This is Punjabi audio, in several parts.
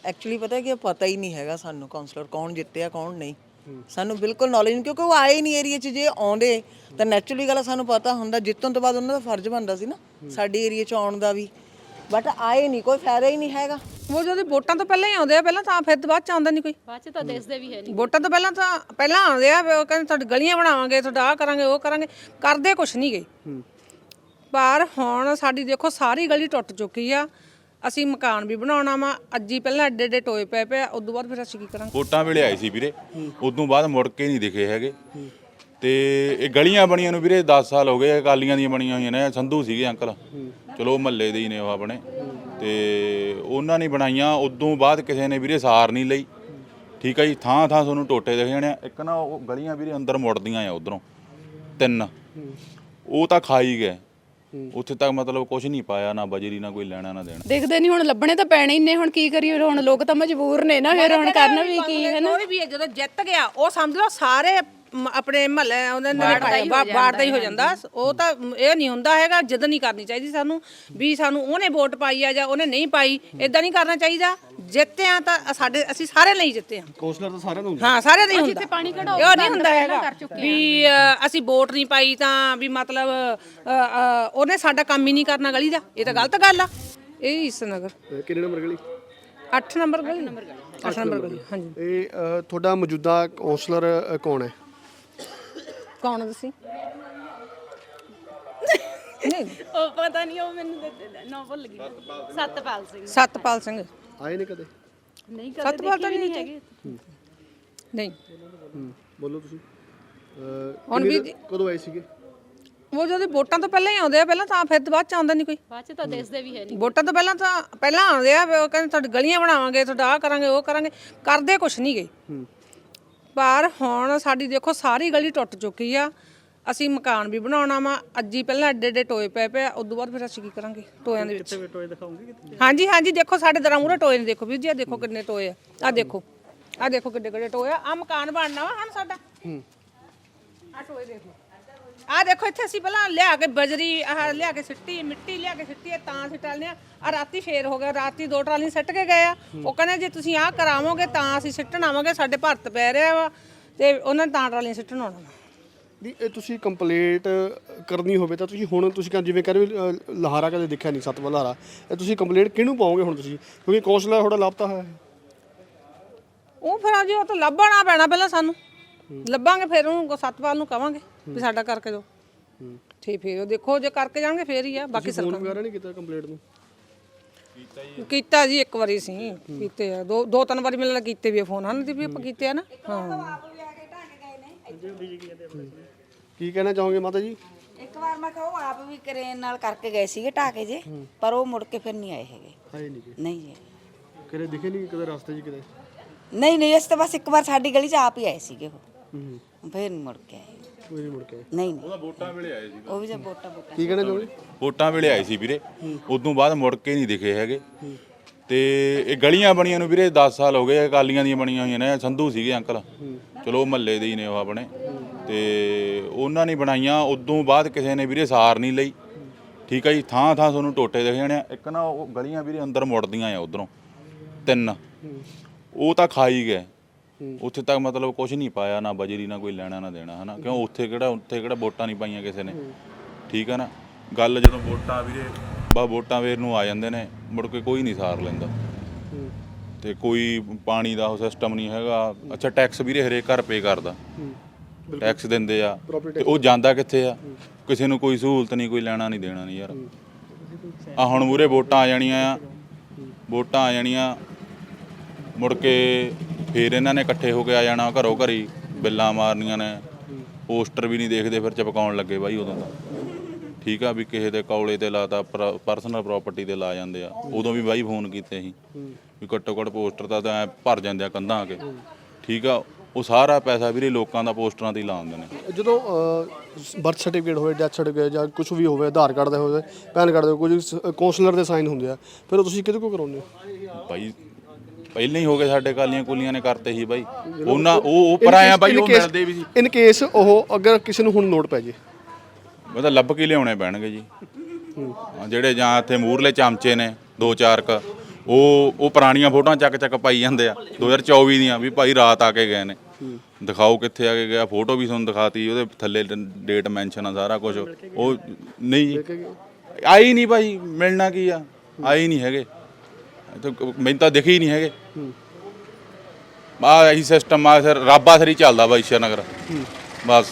ਐਕਚੁਅਲੀ ਪਤਾ ਹੀ ਨਹੀਂ ਹੈਗਾ ਸਾਨੂੰ ਕਾਉਂਸਲਰ ਕੌਣ ਜਿੱਤਿਆ ਕੌਣ ਨਹੀਂ। ਸਾਨੂੰ ਬਿਲਕੁਲ ਨੌਲੇਜ ਨਹੀਂ, ਕਿਉਂਕਿ ਉਹ ਆਏ ਨਹੀਂ ਏਰੀਆ 'ਚ। ਜੇ ਆਉਂਦੇ ਤਾਂ ਨੈਚੁਰਲੀ ਗੱਲ ਸਾਨੂੰ ਪਤਾ ਹੁੰਦਾ। ਜਿੱਤਣ ਤੋਂ ਬਾਅਦ ਉਹਨਾਂ ਦਾ ਫਰਜ਼ ਬਣਦਾ ਸੀ ਨਾ ਸਾਡੇ ਏਰੀਆ 'ਚ ਆਉਣ ਦਾ ਵੀ, ਬਟ ਆਏ ਨਹੀਂ, ਕੋਈ ਫਾਇਦਾ ਹੀ ਨਹੀਂ ਹੈਗਾ। ਉਹ ਜਦੋਂ ਵੋਟਾਂ ਤੋਂ ਪਹਿਲਾਂ ਹੀ ਆਉਂਦੇ ਆ, ਪਹਿਲਾਂ ਤਾਂ ਫਿਰ ਬਾਅਦ ਚ ਆਉਂਦਾ ਨਹੀਂ ਕੋਈ। ਬਾਅਦ ਚ ਤਾਂ ਦੇਖਦੇ ਵੀ ਹੈ ਨਹੀਂ। ਵੋਟਾਂ ਤੋਂ ਪਹਿਲਾਂ ਆਉਂਦੇ ਆ, ਉਹ ਕਹਿੰਦੇ ਤੁਹਾਡੀ ਗਲੀਆਂ ਬਣਾਵਾਂਗੇ, ਤੁਹਾਡਾ ਆਹ ਕਰਾਂਗੇ ਉਹ ਕਰਾਂਗੇ, ਕਰਦੇ ਕੁਛ ਨਹੀਂ ਗਏ। ਪਰ ਹੁਣ ਸਾਡੀ ਦੇਖੋ ਸਾਰੀ ਗਲੀ ਟੁੱਟ ਚੁੱਕੀ ਆ। ਅਸੀਂ ਮਕਾਨ ਵੀ ਬਣਾਉਣਾ ਵਾ, ਅੱਜ ਹੀ ਪਹਿਲਾਂ ਐਡੇ ਐਡੇ ਟੋਏ ਪਏ ਪਏ, ਉਦੋਂ ਬਾਅਦ ਫਿਰ ਅਸੀਂ ਕੀ ਕਰਾਂਗੇ। ਵੋਟਾਂ ਵੇਲੇ ਆਏ ਸੀ ਵੀਰੇ, ਉਦੋਂ ਬਾਅਦ ਮੁੜ ਕੇ ਨਹੀਂ ਦਿਖੇ ਹੈਗੇ। ਤੇ ਇਹ ਗਲੀਆਂ ਬਣੀਆਂ ਨੂੰ ਵੀਰੇ 10 ਸਾਲ ਹੋ ਗਏ, ਅਕਾਲੀਆਂ ਦੀਆਂ ਬਣੀਆਂ ਹੋਈਆਂ ਨੇ। ਸੰਧੂ ਸੀਗੇ ਅੰਕਲ, ਚਲੋ ਮਹੱਲੇ ਦੇ ਹੀ ਨੇ ਉਹ ਆਪਣੇ, ਤੇ ਉਹਨਾਂ ਨੇ ਬਣਾਈਆਂ। ਉਦੋਂ ਬਾਅਦ ਕਿਸੇ ਨੇ ਵੀਰੇ ਸਾਰ ਨਹੀਂ ਲਈ। ਠੀਕ ਹੈ ਜੀ, ਥਾਂ ਥਾਂ ਤੁਹਾਨੂੰ ਟੋਟੇ ਦਿਖ ਜਾਣੇ। ਇੱਕ ਨਾ ਉਹ ਗਲੀਆਂ ਵੀਰੇ ਅੰਦਰ ਮੁੜਦੀਆਂ ਆ ਉਧਰੋਂ 3, ਉਹ ਤਾਂ ਖਾਈ ਗਏ। ਉੱਥੇ ਤੱਕ ਮਤਲਬ ਕੁਝ ਨਹੀਂ ਪਾਇਆ, ਨਾ ਬਜਰੀ ਨਾ ਕੋਈ ਲੈਣਾ ਨਾ ਦੇਣਾ। ਦੇਖਦੇ ਨਹੀਂ, ਹੁਣ ਲੱਭਣੇ ਤਾਂ ਪੈਣੇ ਹੀ ਨੇ। ਹੁਣ ਕੀ ਕਰੀਏ, ਹੁਣ ਲੋਕ ਤਾਂ ਮਜਬੂਰ ਨੇ ਨਾ, ਫਿਰ ਹੁਣ ਕਰਨਾ ਵੀ ਕੀ ਹੈ ਨਾ। ਕੋਈ ਵੀ ਜਦੋਂ ਜਿੱਤ ਗਿਆ ਉਹ ਸਮਝ ਲਓ ਸਾਰੇ ਆਪਣੇ ਮਹੱਲੇ ਉਹਨਾਂ ਨੇ ਵਾਰਡ ਦਾ ਹੀ ਹੋ ਜਾਂਦਾ। ਉਹ ਤਾਂ ਇਹ ਨਹੀਂ ਹੁੰਦਾ ਹੈਗਾ। ਜਿੱਦ ਨਹੀਂ ਕਰਨੀ ਚਾਹੀਦੀ ਸਾਨੂੰ ਵੀ ਸਾਨੂੰ ਉਹਨੇ ਵੋਟ ਪਾਈ ਆ ਜਾਂ ਉਹਨੇ ਨਹੀਂ ਪਾਈ, ਇਦਾਂ ਨਹੀਂ ਕਰਨਾ ਚਾਹੀਦਾ। ਜਿੱਤੇ ਆ ਤਾਂ ਅਸੀਂ ਸਾਰੇ ਲਈ ਜਿੱਤੇ ਆ। ਕਾਉਂਸਲਰ ਤਾਂ ਸਾਰਿਆਂ ਨੂੰ ਹਾਂ, ਸਾਰਿਆਂ ਦਾ ਹੀ ਹੁੰਦਾ। ਪਾਣੀ ਕਢਾਓ ਇਹ ਨਹੀਂ ਹੁੰਦਾ ਹੈਗਾ ਵੀ ਅਸੀਂ ਵੋਟ ਨਹੀਂ ਪਾਈ ਤਾਂ ਵੀ ਮਤਲਬ ਉਹਨੇ ਸਾਡਾ ਕੰਮ ਹੀ ਨਹੀਂ ਕਰਨਾ ਗਲੀ ਦਾ। ਇਹ ਤਾਂ ਗਲਤ ਗੱਲ ਆ। ਇਹ ਇਸ ਨਗਰ ਕਿੰਨੇ ਨੰਬਰ ਗਲੀ? 8 ਨੰਬਰ ਗਲੀ। 8 ਨੰਬਰ ਗਲੀ, ਹਾਂਜੀ। ਇਹ ਤੁਹਾਡਾ ਮੌਜੂਦਾ ਕਾਉਂਸਲਰ ਕੌਣ ਹੈ? ਕੌਣ ਤੁਸੀਂ? ਨਹੀਂ, ਉਹ ਪਤਾ ਨਹੀਂ, ਉਹ ਮੈਨੂੰ ਨਾ ਭੁੱਲ ਗਈ। ਸਤਪਾਲ ਸਿੰਘ। ਸਤਪਾਲ ਸਿੰਘ ਆਏ ਨੇ ਕਦੇ? ਨਹੀਂ, ਸਤਪਾਲ ਤਾਂ ਨਹੀਂ ਹੈਗੇ। ਨਹੀਂ। ਬੋਲੋ ਤੁਸੀਂ। ਹੁਣ ਵੀ ਕਦੋਂ ਆਏ ਸੀਗੇ? ਉਹ ਜਦੋਂ ਵੋਟਾਂ ਤੋਂ ਪਹਿਲਾਂ ਹੀ ਆਉਂਦੇ ਆ, ਪਹਿਲਾਂ ਤਾਂ ਫਿਰ ਬਾਅਦ ਚ ਆਉਂਦਾ ਨਹੀਂ ਕੋਈ। ਬਾਅਦ ਚ ਤਾਂ ਦੇਖਦੇ ਵੀ ਹੈ ਨਹੀਂ। ਵੋਟਾਂ ਤੋਂ ਪਹਿਲਾਂ ਆਉਂਦੇ ਆ, ਉਹ ਕਹਿੰਦੇ ਤੁਹਾਡੀ ਗਲੀਆਂ ਬਣਾਵਾਂਗੇ, ਤੁਹਾਡਾ ਆਹ ਕਰਾਂਗੇ ਉਹ ਕਰਾਂਗੇ, ਕਰਦੇ ਕੁਛ ਨਹੀਂ ਗਏ। ਪਰ ਹੁਣ ਸਾਡੀ ਦੇਖੋ ਸਾਰੀ ਗਲੀ ਟੁੱਟ ਚੁੱਕੀ ਆ। ਅਸੀਂ ਮਕਾਨ ਵੀ ਬਣਾਉਣਾ ਵਾ, ਅੱਜ ਹੀ ਪਹਿਲਾਂ ਐਡੇ ਐਡੇ ਟੋਏ ਪਏ ਪਏ, ਉਦੋਂ ਬਾਅਦ ਫਿਰ ਅਸੀਂ ਕੀ ਕਰਾਂਗੇ ਟੋਇਆਂ ਦੇ ਵਿੱਚ। ਟੋਏ ਦਿਖਾਉਂਗੇ ਕਿਤੇ? ਹਾਂਜੀ ਹਾਂਜੀ, ਦੇਖੋ ਸਾਡੇ ਦਰਾਂ ਮੂਹਰੇ ਟੋਏ ਨੇ। ਦੇਖੋ ਵੀਰ ਜੀ, ਆ ਦੇਖੋ ਕਿੰਨੇ ਟੋਏ ਆ। ਆਹ ਦੇਖੋ ਕਿੱਡੇ ਕਿੱਡੇ ਟੋਏ ਆ। ਆ ਮਕਾਨ ਬਣਨਾ ਵਾ ਹੁਣ ਸਾਡਾ। ਆ ਟੋਏ ਦੇਖ ਲਓ। ਆ ਦੇਖੋ ਇੱਥੇ ਅਸੀਂ ਪਹਿਲਾਂ ਲਿਆ ਕੇ ਬਜਰੀ ਲਿਆ ਕੇ ਸਿੱਟੀ, ਮਿੱਟੀ ਲਿਆ ਕੇ ਸਿੱਟੀ ਤਾਂ ਸਿੱਟਾਲਨੇ ਆ। ਰਾਤੀ ਫੇਰ ਹੋ ਗਿਆ, ਰਾਤੀ 2 ਟਰਾਲੀ ਸਿੱਟ ਕੇ ਗਏ ਆ। ਉਹ ਕਹਿੰਦੇ ਜੇ ਤੁਸੀਂ ਆਹ ਕਰਾਵੋਗੇ ਤਾਂ ਅਸੀਂ ਸਿੱਟਣ ਆਵਾਂਗੇ, ਸਾਡੇ ਭਰਤ ਪੈ ਰਿਹਾ ਵਾ ਤੇ ਉਹਨਾਂ ਨੇ ਤਾਂ ਟਰਾਲੀਆਂ ਸਿੱਟਣ ਆਉਣਾ ਵਾ। ਨਹੀਂ, ਇਹ ਤੁਸੀਂ ਕੰਪਲੇਂਟ ਕਰਨੀ ਹੋਵੇ ਤਾਂ ਤੁਸੀਂ ਹੁਣ ਤੁਸੀਂ ਜਿਵੇਂ ਕਹਿੰਦੇ ਵੀ ਲਹਾਰਾ ਕਦੇ ਦੇਖਿਆ ਨਹੀਂ, ਸਤਵਾਂ ਲਹਾਰਾ, ਇਹ ਤੁਸੀਂ ਕੰਪਲੇਂਟ ਕਿਹਨੂੰ ਪਾਓਗੇ ਹੁਣ ਤੁਸੀਂ? ਕਿਉਂਕਿ ਕਾਉਂਸਲਰ ਤੁਹਾਡਾ ਲਾਪਤਾ ਹੈ। ਉਹ ਫਿਰ ਜੀ ਉਹ ਤਾਂ ਲੱਭਣਾ ਪੈਣਾ ਪਹਿਲਾਂ ਸਾਨੂੰ। ਲੱਭਾਂਗੇ ਫਿਰ ਉਹਨੂੰ ਸਤਪਾਲ ਨੂੰ ਕਵਾਂਗੇ ਵੀ ਸਾਡਾ ਕਰਕੇ ਦਿਓ। ਠੀਕ, ਫਿਰ ਦੇਖੋ ਜੇ ਕਰਕੇ ਜਾਣਗੇ ਫੇਰ ਹੀ ਆ। ਬਾਕੀ ਫੋਨ ਵਗੈਰਾ ਨਹੀਂ ਕੀਤਾ ਕੰਪਲੇਂਟ ਨੂੰ? ਕੀਤਾ ਜੀ, ਇੱਕ ਵਾਰੀ ਸੀ ਕੀਤੇ ਆ। ਦੋ ਤਿੰਨ ਵਾਰੀ ਮਿਲਣ ਕੀਤੇ ਵੀ ਫੋਨ ਹਨ ਦੀ ਵੀ ਆਪਾਂ ਕੀਤੇ ਆ ਨਾ। ਹਾਂ, ਕੀ ਕਹਿਣਾ ਚਾਹੋਗੇ ਮਾਤਾ ਜੀ? ਇੱਕ ਵਾਰ ਮੈਂ ਕਿਹਾ ਉਹ ਆਪ ਵੀ ਕਰੇਨ ਨਾਲ ਕਰਕੇ ਗਏ ਸੀਗੇ ਢਾਕੇ ਜੇ, ਪਰ ਉਹ ਮੁੜ ਕੇ ਫਿਰ ਨਹੀਂ ਆਏ ਹੈਗੇ। ਆਏ ਨਹੀਂ ਕਿ ਨਹੀਂ ਜੀ, ਕਦੇ ਦਿਖੇ ਨਹੀਂ ਕਦੇ ਰਸਤੇ 'ਚ ਕਿਤੇ? ਨਹੀਂ ਅਸੀਂ ਤਾਂ ਬਸ ਇੱਕ ਵਾਰ ਸਾਡੀ ਗਲੀ 'ਚ ਆਪ ਹੀ ਆਏ ਸੀਗੇ ਉਹ। ਫਿਰ ਨਹੀਂ ਮੁੜ ਕੇ ਆਏ। ਕੋਈ ਨਹੀਂ ਮੁੜ ਕੇ? ਨਹੀਂ ਉਹਦਾ ਵੋਟਾਂ ਵੇਲੇ ਆਏ ਸੀ। ਉਹ ਵੀ ਜਦ ਵੋਟਾਂ ਕੀ ਕਹਿਣਾ ਚਾਹੋਗੇ? ਵੋਟਾਂ ਵੇਲੇ ਆਏ ਸੀ ਵੀਰੇ, ਉਦੋਂ ਬਾਅਦ ਮੁੜ ਕੇ ਨਹੀਂ ਦਿਖੇ ਹੈਗੇ। ਤੇ ਇਹ ਗਲੀਆਂ ਬਣੀਆਂ ਨੂੰ ਵੀਰੇ 10 ਸਾਲ ਹੋ ਗਏ, ਅਕਾਲੀਆਂ ਦੀਆਂ ਬਣੀਆਂ ਹੋਈਆਂ ਨੇ। ਸੰਧੂ ਸੀਗੇ ਅੰਕਲ, ਚਲੋ ਮਹੱਲੇ ਦੇ ਹੀ ਨੇ ਉਹ ਆਪਣੇ, ਤੇ ਉਹਨਾਂ ਨੇ ਬਣਾਈਆਂ। ਉਦੋਂ ਬਾਅਦ ਕਿਸੇ ਨੇ ਵੀਰੇ ਸਾਰ ਨਹੀਂ ਲਈ। ਠੀਕ ਹੈ ਜੀ, ਥਾਂ ਥਾਂ ਤੁਹਾਨੂੰ ਟੋਟੇ ਦਿਖ ਜਾਣੇ। ਇੱਕ ਨਾ ਉਹ ਗਲੀਆਂ ਵੀਰੇ ਅੰਦਰ ਮੁੜਦੀਆਂ ਆ ਉਧਰੋਂ 3, ਉਹ ਤਾਂ ਖਾਈ ਗਏ। ਉੱਥੇ ਤੱਕ ਮਤਲਬ ਕੁਝ ਨਹੀਂ ਪਾਇਆ, ਨਾ ਬਜਰੀ ਨਾ ਕੋਈ ਲੈਣਾ ਨਾ ਦੇਣਾ, ਹਨਾ। ਕਿਉਂ ਉੱਥੇ ਕਿਹੜਾ ਵੋਟਾਂ ਨਹੀਂ ਪਾਈਆਂ ਕਿਸੇ ਨੇ। ਠੀਕ ਹੈ ਨਾ ਗੱਲ। ਜਦੋਂ ਵੋਟਾਂ ਵੀਰੇ ਵੋਟਾਂ ਵੇਰ ਨੂੰ ਆ ਜਾਂਦੇ ਨੇ, ਮੁੜ ਕੇ ਕੋਈ ਨਹੀਂ ਸਾਰ ਲੈਂਦਾ। ਤੇ ਕੋਈ ਪਾਣੀ ਦਾ ਉਹ ਸਿਸਟਮ ਨਹੀਂ ਹੈਗਾ। ਅੱਛਾ, ਟੈਕਸ ਵੀਰੇ ਹਰੇਕ ਘਰ ਪੇ ਕਰਦਾ, ਟੈਕਸ ਦਿੰਦੇ ਆ, ਤੇ ਉਹ ਜਾਂਦਾ ਕਿੱਥੇ ਆ? ਕਿਸੇ ਨੂੰ ਕੋਈ ਸਹੂਲਤ ਨਹੀਂ, ਕੋਈ ਲੈਣਾ ਨਹੀਂ ਦੇਣਾ ਨਹੀਂ ਯਾਰ। ਆ ਹੁਣ ਮੂਹਰੇ ਵੋਟਾਂ ਆ ਜਾਣੀਆਂ ਮੁੜ ਕੇ ਫਿਰ ਇਹਨਾਂ ਨੇ ਇਕੱਠੇ ਹੋ ਕੇ ਆ ਜਾਣਾ ਘਰੋਂ ਘਰੀ, ਬਿੱਲਾਂ ਮਾਰਨੀਆਂ ਨੇ। ਪੋਸਟਰ ਵੀ ਨਹੀਂ ਦੇਖਦੇ, ਫਿਰ ਚਪਕਾਉਣ ਲੱਗੇ ਬਾਈ ਉਦੋਂ ਤਾਂ। ਠੀਕ ਆ, ਵੀ ਕਿਸੇ ਦੇ ਕੌਲੇ ਤੇ ਲਾਤਾ, ਪਰਸਨਲ ਪ੍ਰਾਪਰਟੀ ਤੇ ਲਾ ਜਾਂਦੇ ਆ। ਉਦੋਂ ਵੀ ਬਾਈ ਫੋਨ ਕੀਤੇ ਸੀ ਵੀ ਘੱਟੋ ਘੱਟ ਪੋਸਟਰ ਤਾਂ ਐ ਭਰ ਜਾਂਦੇ ਆ ਕੰਧਾਂ ਆ ਕੇ। ਠੀਕ ਆ, ਉਹ ਸਾਰਾ ਪੈਸਾ ਵੀਰੇ ਲੋਕਾਂ ਦਾ ਪੋਸਟਰਾਂ ਤੇ ਹੀ ਲਾਉਂਦੇ ਨੇ। ਜਦੋਂ ਬਰਥ ਸਰਟੀਫਿਕੇਟ ਹੋਵੇ, ਡੈਥ ਸਰਟੀਫਿਕੇਟ ਜਾਂ ਕੁਝ ਵੀ ਹੋਵੇ, ਆਧਾਰ ਕਾਰਡ ਦੇ ਹੋਵੇ, ਪੈਨ ਕਾਰਡ ਦੇ, ਕੁਝ ਕਾਉਂਸਲਰ ਦੇ ਸਾਈਨ ਹੁੰਦੇ ਆ, ਫਿਰ ਉਹ ਤੁਸੀਂ ਕਿਹਦੇ ਕੋਲ ਕਰਾਉਂਦੇ ਹੋ? ਬਾਈ ਪਹਿਲਾਂ ਹੀ ਹੋ ਗਏ, ਸਾਡੇ ਕਾਲੀਆਂ ਕੁਲੀਆਂ ਨੇ ਕਰਤੇ ਸੀ ਬਾਈ। ਉਹਨਾਂ ਉਹ ਪਰਾਇਆ ਬਾਈ, ਉਹ ਮਿਲਦੇ ਵੀ ਸੀ। ਇਨ ਕੇਸ ਉਹ ਅਗਰ ਕਿਸੇ ਨੂੰ ਹੁਣ ਨੋਟ ਪੈ ਜੇ, ਉਹਦਾ ਲੱਭ ਕੇ ਲਿਆਉਣੇ ਪੈਣਗੇ ਜੀ। ਜਿਹੜੇ ਜਾਂ ਇੱਥੇ ਮੂਹਰਲੇ ਚਮਚੇ ਨੇ 2-4 ਕ, ਉਹ ਪੁਰਾਣੀਆਂ ਫੋਟੋਆਂ ਚੱਕ ਪਾਈ ਜਾਂਦੇ ਆ 2024 ਦੀਆਂ ਵੀ ਭਾਈ ਰਾਤ ਆ ਕੇ ਗਏ ਨੇ। ਦਿਖਾਓ ਕਿੱਥੇ ਆ ਕੇ ਗਿਆ, ਫੋਟੋ ਵੀ ਤੁਹਾਨੂੰ ਦਿਖਾਤੀ, ਉਹਦੇ ਥੱਲੇ ਡੇਟ ਮੈਂਸ਼ਨ ਆ ਸਾਰਾ ਕੁਝ। ਉਹ ਨਹੀਂ ਜੀ, ਆਈ ਨਹੀਂ ਭਾਈ, ਮਿਲਣਾ ਕੀ ਆ, ਆਏ ਨਹੀਂ ਹੈਗੇ, ਮੈਨੂੰ ਤਾਂ ਦਿਖੇ ਹੀ ਨਹੀਂ ਹੈਗੇ। ਇਹੀ ਸਿਸਟਮ ਆ ਸਰ, ਰਾਬਾ ਸਰੀ ਚੱਲਦਾ ਵਾ ਈਸ਼ਰ ਨਗਰ ਬਸ।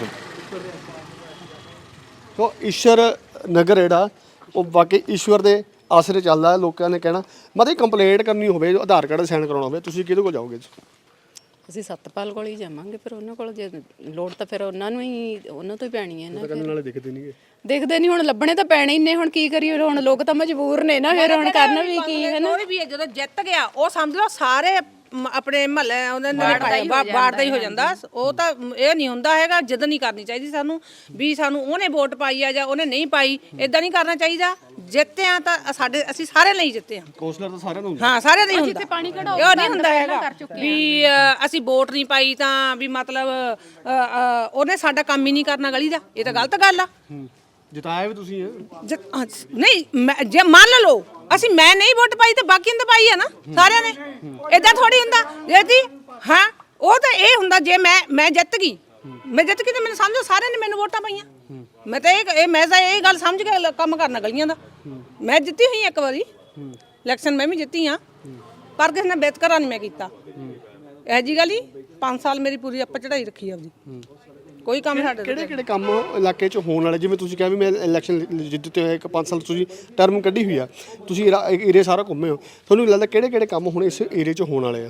ਸੋ ਈਸ਼ਰ ਨਗਰ ਜਿਹੜਾ ਉਹ ਬਾਕੀ ਈਸ਼ਵਰ ਦੇ ਆਸਰੇ ਚੱਲਦਾ, ਲੋਕਾਂ ਨੇ ਕਹਿਣਾ। ਮਤਲਬ ਕੰਪਲੇਂਟ ਕਰਨੀ ਹੋਵੇ, ਆਧਾਰ ਕਾਰਡ ਸਾਈਨ ਕਰਾਉਣਾ ਹੋਵੇ, ਤੁਸੀਂ ਕਿਹਦੇ ਕੋਲ ਜਾਓਗੇ? ਅਸੀਂ ਸਤਪਾਲ ਕੋਲ ਹੀ ਜਾਵਾਂਗੇ, ਫਿਰ ਉਹਨਾਂ ਕੋਲ ਜੇ ਲੋੜ ਤਾਂ ਫਿਰ ਉਹਨਾਂ ਤੋਂ ਹੀ ਪੈਣੀ ਹੈ ਨਾ। ਕਹਿੰਦੇ ਨਾਲੇ ਦਿਖਦੇ ਨਹੀਂਗੇ, ਦੇਖਦੇ ਨਹੀਂ, ਹੁਣ ਲੱਭਣੇ ਤਾਂ ਪੈਣੇ ਹੀ ਨੇ। ਹੁਣ ਕੀ ਕਰੀਏ, ਹੁਣ ਲੋਕ ਤਾਂ ਮਜਬੂਰ ਨੇ ਨਾ, ਫਿਰ ਹੁਣ ਕਰਨਾ ਵੀ ਕੀ ਹੈ ਨਾ। ਕੋਈ ਵੀ ਜਦੋਂ ਜਿੱਤ ਗਿਆ ਉਹ ਸਮਝ ਲਓ ਸਾਰੇ ਆਪਣੇ ਮਹੱਲੇ ਉਹਦੇ ਨਾਲ ਬਾੜ ਦਾ ਹੀ ਹੋ ਜਾਂਦਾ। ਉਹ ਤਾਂ ਇਹ ਨਹੀਂ ਹੁੰਦਾ ਹੈਗਾ, ਜਿੱਦ ਨਹੀਂ ਕਰਨੀ ਚਾਹੀਦੀ ਸਾਨੂੰ ਵੀ ਸਾਨੂੰ ਉਹਨੇ ਵੋਟ ਪਾਈ ਆ ਜਾਂ ਉਹਨੇ ਨਹੀਂ ਪਾਈ, ਇਦਾਂ ਨਹੀਂ ਕਰਨਾ ਚਾਹੀਦਾ। ਜਿੱਤੇ ਆ ਤਾਂ ਅਸੀਂ ਸਾਰੇ ਲਈ ਜਿੱਤੇ ਆ। ਕੌਂਸਲਰ ਤਾਂ ਸਾਰਿਆਂ ਨੂੰ ਹਾਂ, ਸਾਰਿਆਂ ਦਾ ਹੀ ਹੁੰਦਾ। ਪਾਣੀ ਕਢਾਓ ਇਹ ਨਹੀਂ ਹੁੰਦਾ ਹੈਗਾ ਵੀ ਅਸੀਂ ਵੋਟ ਨਹੀਂ ਪਾਈ ਤਾਂ ਵੀ ਮਤਲਬ ਉਹਨੇ ਸਾਡਾ ਕੰਮ ਹੀ ਨਹੀਂ ਕਰਨਾ ਗਲੀ ਦਾ। ਇਹ ਤਾਂ ਗਲਤ ਗੱਲ ਆ। ਜਿਤਾਇਆ ਵੀ ਤੁਸੀਂ ਨਹੀਂ ਜੇ ਮੰਨ ਲਓ ਮੈਂ ਨਹੀਂ ਵੋਟ ਪਾਈ ਤੇ ਬਾਕੀਆਂ ਨੇ ਪਾਈ ਆ ਨਾ ਸਾਰਿਆਂ ਨੇ। ਏਦਾਂ ਥੋੜੀ ਹੁੰਦਾ ਜੀ। ਹਾਂ, ਉਹ ਤਾਂ ਇਹ ਹੁੰਦਾ ਜੇ ਮੈਂ ਜਿੱਤ ਗਈ ਤੇ ਮੈਨੂੰ ਸਮਝੋ ਸਾਰਿਆਂ ਨੇ ਮੈਨੂੰ ਵੋਟਾਂ ਪਾਈਆਂ। ਮੈਂ ਤਾਂ ਇਹ ਗੱਲ ਸਮਝ ਕੇ ਕੰਮ ਕਰਨਾ ਗਲੀਆਂ ਦਾ। ਮੈਂ ਜਿੱਤੀ ਹੋਈ ਇੱਕ ਵਾਰੀ ਇਲੈਕਸ਼ਨ, ਮੈਂ ਵੀ ਜਿੱਤੀ ਆ, ਪਰ ਕਿਸੇ ਨੇ ਬੇਤਕਰਾ ਨਹੀਂ ਮੈਂ ਕੀਤਾ। ਇਹ ਜੀ ਗੱਲ ਹੀ 5 ਸਾਲ ਮੇਰੀ ਪੂਰੀ ਆਪਾਂ ਚੜਾਈ ਰੱਖੀ ਆਪਦੀ, ਕੋਈ ਕੰਮ ਸਾਡੇ ਕਿਹੜੇ ਕੰਮ ਇਲਾਕੇ 'ਚ ਹੋਣ ਵਾਲੇ? ਜਿਵੇਂ ਤੁਸੀਂ ਕਿਹਾ ਵੀ ਮੈਂ ਇਲੈਕਸ਼ਨ ਜਿੱਤੇ ਹੋਏ 5 ਸਾਲ ਤੁਸੀਂ ਟਰਮ ਕੱਢੀ ਹੋਈ ਆ, ਤੁਸੀਂ ਏਰੀਆ ਸਾਰਾ ਘੁੰਮੇ ਹੋ, ਤੁਹਾਨੂੰ ਲੱਗਦਾ ਕਿਹੜੇ ਕੰਮ ਹੁਣ ਇਸ ਏਰੀਏ 'ਚ ਹੋਣ ਵਾਲੇ ਆ?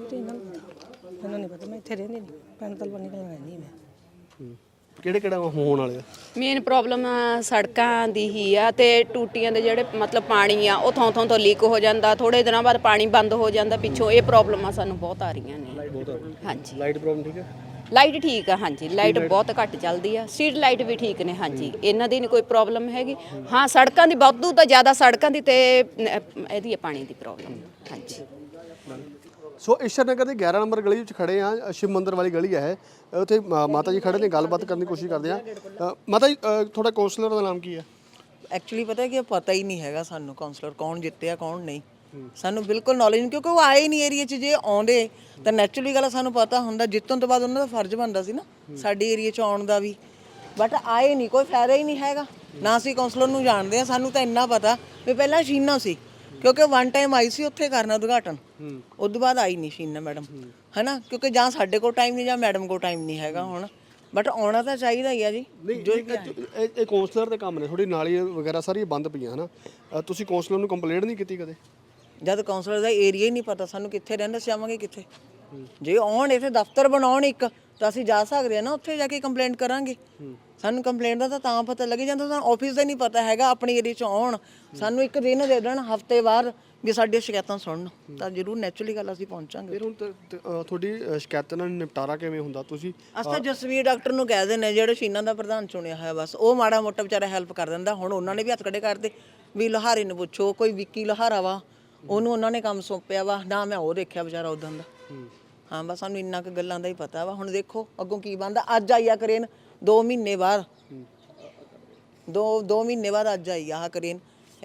ਮੈਨੂੰ ਨਹੀਂ ਪਤਾ, ਮੈਂ ਇੱਥੇ ਰਹਿੰਦੀ ਨਹੀਂ, ਪੈਂਤਲ ਬਣੀ ਕੋਲ ਰਹਿੰਦੀ ਮੈਂ। ਕਿਹੜੇ ਹੋਣ ਵਾਲੇ ਆ? ਮੇਨ ਪ੍ਰੋਬਲਮ ਸੜਕਾਂ ਦੀ ਹੀ ਆ, ਤੇ ਟੂਟੀਆਂ ਦੇ ਜਿਹੜੇ ਮਤਲਬ ਪਾਣੀ ਆ ਉਹ ਥੋਂ ਤੋਂ ਲੀਕ ਹੋ ਜਾਂਦਾ, ਥੋੜੇ ਦਿਨਾਂ ਬਾਅਦ ਪਾਣੀ ਬੰਦ ਹੋ ਜਾਂਦਾ ਪਿੱਛੋਂ। ਇਹ ਪ੍ਰੋਬਲਮਾਂ ਸਾਨੂੰ ਬਹੁਤ ਆ ਰਹੀਆਂ ਨੇ। ਹਾਂਜੀ, ਲਾਈਟ ਪ੍ਰੋਬਲਮ ਠੀਕ ਹੈ? ਲਾਈਟ ਠੀਕ ਆ, ਹਾਂਜੀ, ਲਾਈਟ ਬਹੁਤ ਘੱਟ ਚੱਲਦੀ ਆ। ਸਟਰੀਟ ਲਾਈਟ ਵੀ ਠੀਕ ਨੇ, ਹਾਂਜੀ, ਇਹਨਾਂ ਦੀ ਨਹੀਂ ਕੋਈ ਪ੍ਰੋਬਲਮ ਹੈਗੀ। ਹਾਂ, ਸੜਕਾਂ ਦੀ ਵਾਧੂ ਤਾਂ ਜ਼ਿਆਦਾ ਸੜਕਾਂ ਦੀ ਤੇ ਇਹਦੀ ਹੈ ਪਾਣੀ ਦੀ ਪ੍ਰੋਬਲਮ। ਹਾਂਜੀ। ਸੋ ਈਸ਼ਰ ਨਗਰ ਦੀ 11 ਨੰਬਰ ਗਲੀ ਵਿੱਚ ਖੜੇ ਆ, ਸ਼ਿਵ ਮੰਦਿਰ ਵਾਲੀ ਗਲੀ ਹੈ। ਉੱਥੇ ਮਾਤਾ ਜੀ ਖੜੇ ਨੇ, ਗੱਲਬਾਤ ਕਰਨ ਦੀ ਕੋਸ਼ਿਸ਼ ਕਰਦੇ ਆ। ਮਾਤਾ ਜੀ, ਤੁਹਾਡਾ ਕਾਉਂਸਲਰ ਦਾ ਨਾਮ ਕੀ ਹੈ? ਐਕਚੁਅਲੀ ਪਤਾ ਕਿ ਪਤਾ ਹੀ ਨਹੀਂ ਹੈਗਾ ਸਾਨੂੰ ਕਾਉਂਸਲਰ ਕੌਣ ਜਿੱਤਿਆ ਕੌਣ ਨਹੀਂ। ਸਾਨੂੰ ਬਿਲਕੁਲ ਨੌਲੇਜ ਨਹੀਂ, ਕਿਉਂਕਿ ਉਹ ਆਏ ਨਹੀਂ ਏਰੀਆ 'ਚ। ਜੇ ਆਉਂਦੇ ਤਾਂ ਨੈਚੁਰਲੀ ਗੱਲ ਸਾਨੂੰ ਪਤਾ ਹੁੰਦਾ। ਜਿੱਤਣ ਤੋਂ ਬਾਅਦ ਉਹਨਾਂ ਦਾ ਫਰਜ਼ ਬਣਦਾ ਸੀ ਨਾ ਸਾਡੇ ਏਰੀਆ 'ਚ ਆਉਣ ਦਾ ਵੀ, ਬਟ ਆਏ ਨਹੀਂ, ਕੋਈ ਫਾਇਦਾ ਹੀ ਨਹੀਂ ਹੈਗਾ। ਨਾ ਅਸੀਂ ਕਾਉਂਸਲਰ ਨੂੰ ਜਾਣਦੇ ਆ, ਸਾਨੂੰ ਤਾਂ ਇੰਨਾ ਪਤਾ ਵੀ ਪਹਿਲਾਂ ਸ਼ੀਨਾ ਸੀ, ਕਿਉਂਕਿ 1 ਟਾਈਮ ਆਈ ਸੀ ਉੱਥੇ ਕਰਨਾ ਉਦਘਾਟਨ, ਉਸ ਤੋਂ ਬਾਅਦ ਆਈ ਨਹੀਂ ਸ਼ੀਨਾ ਮੈਡਮ, ਹੈ ਨਾ। ਕਿਉਂਕਿ ਜਾਂ ਸਾਡੇ ਕੋਲ ਟਾਈਮ ਨਹੀਂ ਜਾਂ ਮੈਡਮ ਕੋਲ ਟਾਈਮ ਨਹੀਂ ਹੈਗਾ ਹੁਣ, ਬਟ ਆਉਣਾ ਤਾਂ ਚਾਹੀਦਾ ਹੀ ਆ ਜੀ। ਇਹ ਕਾਉਂਸਲਰ ਦੇ ਕੰਮ ਨੇ, ਥੋੜੀ ਨਾਲੀ ਵਗੈਰਾ ਸਾਰੀਆਂ ਬੰਦ ਪਈਆਂ ਹਨਾ। ਤੁਸੀਂ ਕਾਉਂਸਲਰ ਨੂੰ ਕੰਪਲੇਂਟ ਨਹੀਂ ਕੀਤੀ ਕਦੇ? ਜਦ ਕਾਉਂਸਲਰ ਦਾ ਏਰੀਆ ਹੀ ਨਹੀਂ ਪਤਾ ਸਾਨੂੰ, ਕਿੱਥੇ ਰਹਿੰਦਾ ਸੀ, ਜਾਵਾਂਗੇ ਕਿੱਥੇ? ਜੇ ਆਉਣ ਇੱਥੇ ਦਫ਼ਤਰ ਬਣਾਉਣ ਇੱਕ, ਤਾਂ ਅਸੀਂ ਜਾ ਸਕਦੇ ਆ ਨਾ, ਉੱਥੇ ਜਾ ਕੇ ਕੰਪਲੇਂਟ ਕਰਾਂਗੇ। ਸਾਨੂੰ ਕੰਪਲੇਂਟ ਦਾ ਤਾਂ ਪਤਾ ਲੱਗ ਜਾਂਦਾ, ਸਾਨੂੰ ਆਫਿਸ ਦਾ ਨਹੀਂ ਪਤਾ ਹੈਗਾ। ਆਪਣੇ ਏਰੀਆ 'ਚ ਆਉਣ, ਸਾਨੂੰ ਇੱਕ ਦਿਨ ਦੇ ਦੇਣ ਹਫ਼ਤੇ ਬਾਅਦ ਵੀ ਸਾਡੀਆਂ ਸ਼ਿਕਾਇਤਾਂ ਸੁਣਨ, ਤਾਂ ਜ਼ਰੂਰ ਨੈਚੁਰਲੀ ਗੱਲ ਅਸੀਂ ਪਹੁੰਚਾਂਗੇ। ਫਿਰ ਹੁਣ ਤੁਹਾਡੀ ਸ਼ਿਕਾਇਤਾਂ ਨਾਲ ਨਿਪਟਾਰਾ ਕਿਵੇਂ ਹੁੰਦਾ? ਤੁਸੀਂ ਅਸੀਂ ਤਾਂ ਜਸਵੀਰ ਡਾਕਟਰ ਨੂੰ ਕਹਿ ਦਿੰਦੇ ਜਿਹੜੇ ਸ਼ੀਨਾ ਦਾ ਪ੍ਰਧਾਨ ਚੁਣਿਆ ਹੋਇਆ, ਬਸ ਉਹ ਮਾੜਾ ਮੋਟਾ ਵਿਚਾਰਾ ਹੈਲਪ ਕਰ ਦਿੰਦਾ। ਹੁਣ ਉਹਨਾਂ ਨੇ ਵੀ ਹੱਥ ਖੜੇ ਕਰਦੇ ਵੀ ਲੋਹਾਰੇ ਨੂੰ ਪੁੱਛੋ, ਕੋਈ ਵਿੱਕੀ ਲੋਹਾਰਾ ਵਾ, ਉਹਨੂੰ ਉਹਨਾਂ ਨੇ ਕੰਮ ਸੌਂਪਿਆ ਵਾ ਨਾ, ਮੈਂ ਉਹ ਦੇਖਿਆ ਵਿਚਾਰਾ ਉਦੋਂ ਦਾ। ਹਾਂ, ਬਸ ਸਾਨੂੰ ਇੰਨਾ ਕੁ ਗੱਲਾਂ ਦਾ ਹੀ ਪਤਾ ਵਾ। ਹੁਣ ਦੇਖੋ ਅੱਗੋਂ ਕੀ ਬਣਦਾ। ਅੱਜ ਆਈ ਆ ਕਰੇਨ 2 ਮਹੀਨੇ ਬਾਅਦ, 2 ਮਹੀਨੇ ਬਾਅਦ ਅੱਜ ਆਈ ਆਹ ਕਰੇਨ।